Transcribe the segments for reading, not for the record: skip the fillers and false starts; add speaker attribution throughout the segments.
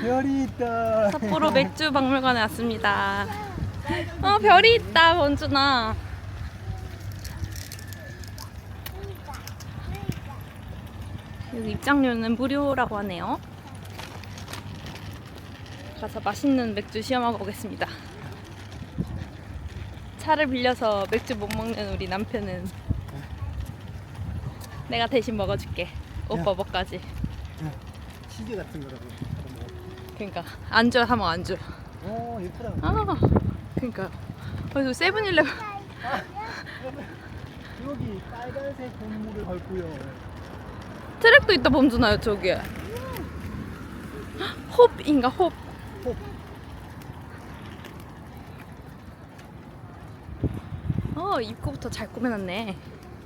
Speaker 1: 별이 있다.
Speaker 2: 삿포로 맥주 박물관에 왔습니다. 별이 있다, 원준아. 여기 입장료는 무료라고 하네요. 가서 맛있는 맥주 시험하고 오겠습니다. 차를 빌려서 맥주 못 먹는 우리 남편은 내가 대신 먹어줄게. 오빠 뭐까지.
Speaker 1: 치즈 같은 거라고.
Speaker 2: 그러니까 안주 하면 안주.
Speaker 1: 오 예쁘다.
Speaker 2: 그러니까 그래서 세븐일레븐
Speaker 1: 여기 빨간색 건물을 밟고요.
Speaker 2: 트랙도 있다, 범준아. 저기에 홉인가 홉. 입구부터 잘 꾸며놨네.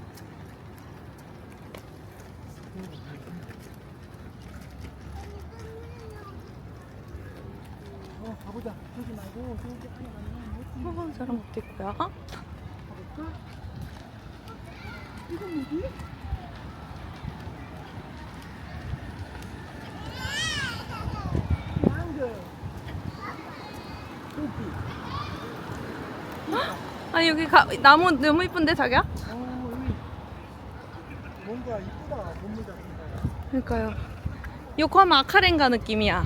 Speaker 1: 가보자. 저기 말고 저기 안에 가면
Speaker 2: 저런 것도 있고요.
Speaker 1: 가볼까? 이건 뭐지? 망고.
Speaker 2: 아니 여기 나무 너무 이쁜데 자기야?
Speaker 1: 여기 뭔가 이쁘다. 건물 같은 거.
Speaker 2: 그러니까요. 요코하마 아카렌가 느낌이야.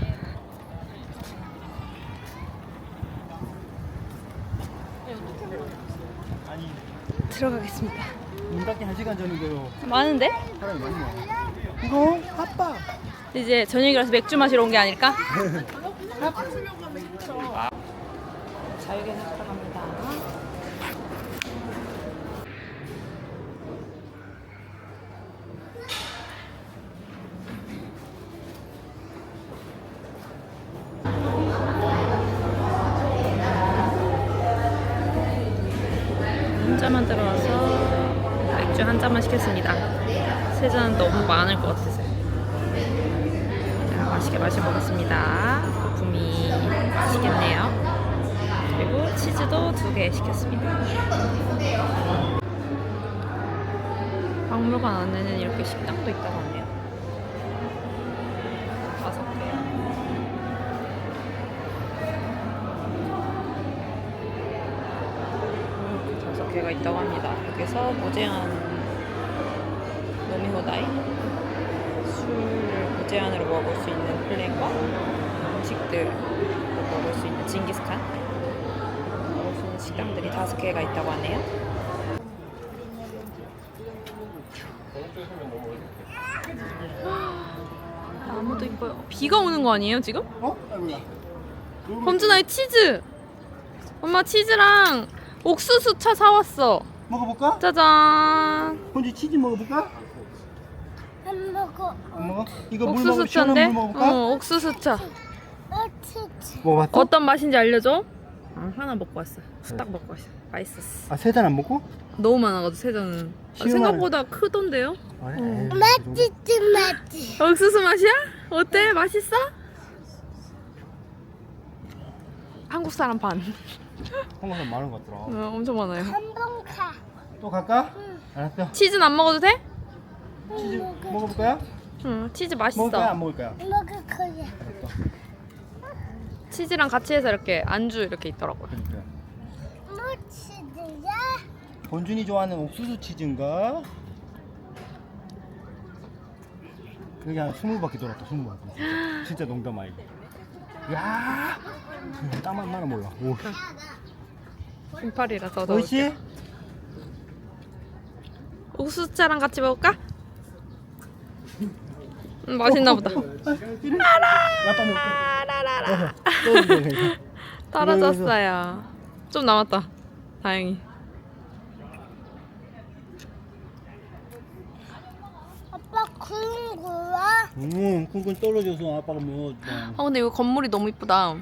Speaker 1: 아니
Speaker 2: 들어가겠습니다.
Speaker 1: 문 닫기 1시간 전이고요.
Speaker 2: 많은데?
Speaker 1: 사람이 많네. 이거 아빠.
Speaker 2: 이제 저녁이라서 맥주 마시러 온 게 아닐까? 자유계획 들어갑니다. 혼자만 들어와서 맥주 한 잔만 시켰습니다. 세 잔 너무 많을 것 같아서. 자, 맛있게 마셔보겠습니다. 거품이 맛있겠네요. 그리고 치즈도 2개 시켰습니다. 박물관 안에는 이렇게 식당도 있다고 하네요. 5개. 이렇게 5개가 있다고 합니다. 여기서 무제한 노미호다이, 술을 무제한으로 먹을 수 있는 플랜과 음식들 먹을 수 있는 징기스칸 먹을 수 있는 식당들이 5개가 있다고 하네요. 나무도 이뻐요. 비가 오는 거 아니에요 지금?
Speaker 1: 아이고야.
Speaker 2: 범준아, 이 치즈! 엄마 치즈랑 옥수수 차 사왔어.
Speaker 1: 먹어볼까?
Speaker 2: 짜잔.
Speaker 1: 혼자 치즈 먹어볼까?
Speaker 3: 안 먹어.
Speaker 1: 안 먹어? 이거 물
Speaker 2: 옥수수
Speaker 1: 먹어. 시원한
Speaker 2: 차인데?
Speaker 1: 물 먹어볼까?
Speaker 2: 옥수수 차.
Speaker 3: 치즈.
Speaker 1: 먹어봤어?
Speaker 2: 어떤 맛인지 알려줘? 하나 먹고 왔어. 후딱 먹고 왔어. 맛있었어.
Speaker 1: 아, 세 잔 안 먹고?
Speaker 2: 너무 많아가지고 세 잔은. 생각보다 크던데요?
Speaker 1: 그래.
Speaker 3: 맛있지.
Speaker 2: 옥수수 맛이야? 어때? 맛있어? 한국 사람 반.
Speaker 1: 한국 사람 많은 것 같더라.
Speaker 2: 엄청 많아요.
Speaker 3: 한번 가.
Speaker 1: 또 갈까? 알았어.
Speaker 2: 치즈는 안 먹어도 돼?
Speaker 1: 치즈 먹어볼 거야?
Speaker 2: 응, 치즈 맛있어.
Speaker 1: 먹을 거야? 안 먹을 거야?
Speaker 3: 먹을 거야.
Speaker 1: 알았어.
Speaker 2: 치즈랑 같이 해서 이렇게 안주 이렇게 있더라고요.
Speaker 1: 그러니까.
Speaker 3: 뭐 치즈야?
Speaker 1: 본준이 좋아하는 옥수수 치즈인가? 여기 한 20바퀴 돌았다. 20바퀴. 진짜 농담 아니고. 야, 땀만 많아 몰라. 오.
Speaker 2: 긴팔이라서 더.
Speaker 1: 옳지?
Speaker 2: 옥수수차랑 같이 먹을까? 맛있나 보다.
Speaker 1: 약간
Speaker 2: 라라라.
Speaker 1: 또
Speaker 2: 떨어졌어요. 좀 남았다. 다행히.
Speaker 3: 아빠 그런 거야?
Speaker 1: 쿵쿵 떨어져서 아빠가 뭐.
Speaker 2: 근데 이거 건물이 너무 이쁘다.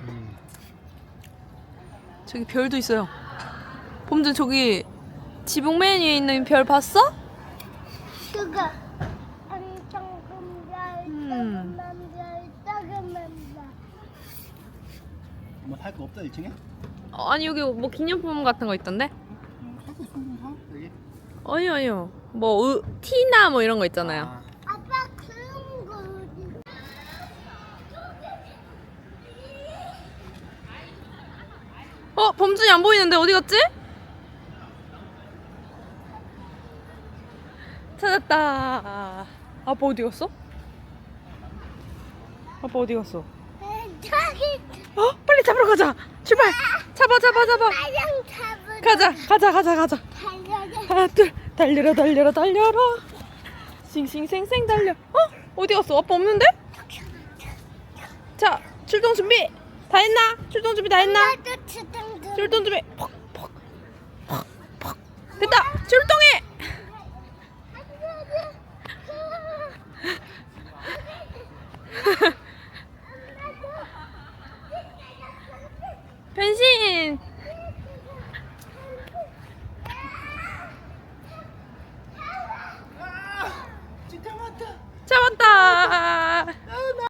Speaker 2: 저기 별도 있어요. 범준 저기 지붕 맨 위에 있는 별 봤어?
Speaker 3: 그거 엄청 큰 작은 별.
Speaker 1: 뭐 살 거 없다 1층에?
Speaker 2: 아니 여기 뭐 기념품 같은 거 있던데?
Speaker 1: 살거 있으면 사 여기.
Speaker 2: 아니요. 뭐 티나 뭐 이런 거 있잖아요.
Speaker 3: 아빠 그런 거.
Speaker 2: 범준이 안 보이는데 어디 갔지? 찾았다. 아빠 어디 갔어? 아빠 어디 갔어?
Speaker 3: 저기
Speaker 2: 빨리 잡으러 가자. 출발. 잡아.
Speaker 3: 빨랑 잡으러
Speaker 2: 가자.
Speaker 3: 달려가.
Speaker 2: 하나 둘 달려라. 싱싱생생 달려. 어디 갔어? 아빠 없는데? 자, 출동 준비 다 했나? 출동 준비 다 했나?
Speaker 3: 나도 주둥둥.
Speaker 2: 출동 준비. 퍽. 됐다. 출동해.